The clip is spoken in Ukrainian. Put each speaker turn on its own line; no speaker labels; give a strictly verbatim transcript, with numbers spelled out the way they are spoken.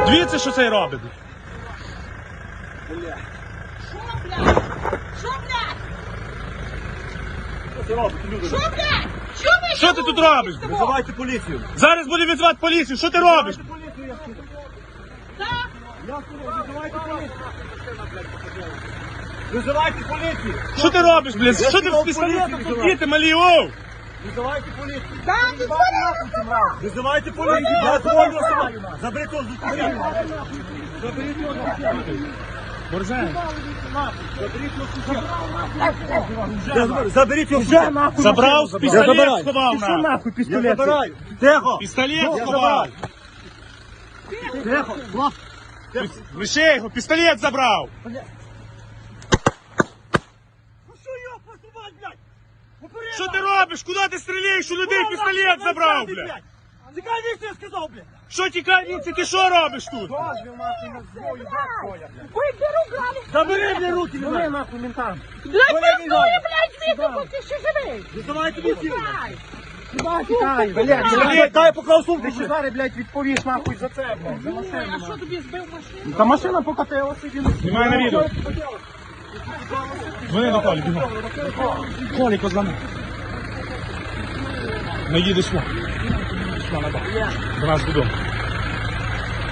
Дивіться, що цей робить.
Бля. Що, блядь? Що, блядь?
Що це робить, люди?
Що, блядь? Що ви?
Що ти тут робиш?
Визивайте поліцію.
Зараз буде відзвати поліцію. Що ти робиш?
Визивайте поліцію, я скажу.
Так?
Я скажу, визивайте поліцію. Визивайте поліцію.
Що ти робиш, блядь? Що ти з пістолетом тут діти, малі, оу?
Визивайте поліцію.
Так, ти звонила.
Визивайте поліцію. Я дзвоню сюди. Заберіть його з дитини. Заберіть його з дитини.
Борзен.
Заберіть його з дитини. Заберіть його вже нахуй.
Забрав, пістолет сховав
Що
на.
нахуй пістолет? Я забираю. Тихо.
Пістолет сховав.
Тихо.
Лише його, пістолет забрав.
Ну що його посувати, блядь? Попереду.
Що ти робиш? Куди ти стріляєш? У людей пістолет забрав, блядь.
Тікай віці, я сказав, блядь.
Що тікай, віці, ти що робиш тут?
Вийди руками.
Забери мені руки, давай нахуй ментам.
Блядь, працює, блядь, звідти, поки ще живий.
Визивайте поліцію.
Дай.
Тікай, блядь. Дай поклав сумку. Ти зараз, блядь, відповіш нахуй за це, блядь.
А що тобі збив машину?
Та машина покатилася, він.
Немає на відео. Дзвони до Колі, бігом. Колі, козлами. Не їдеш сюди. До нас додому.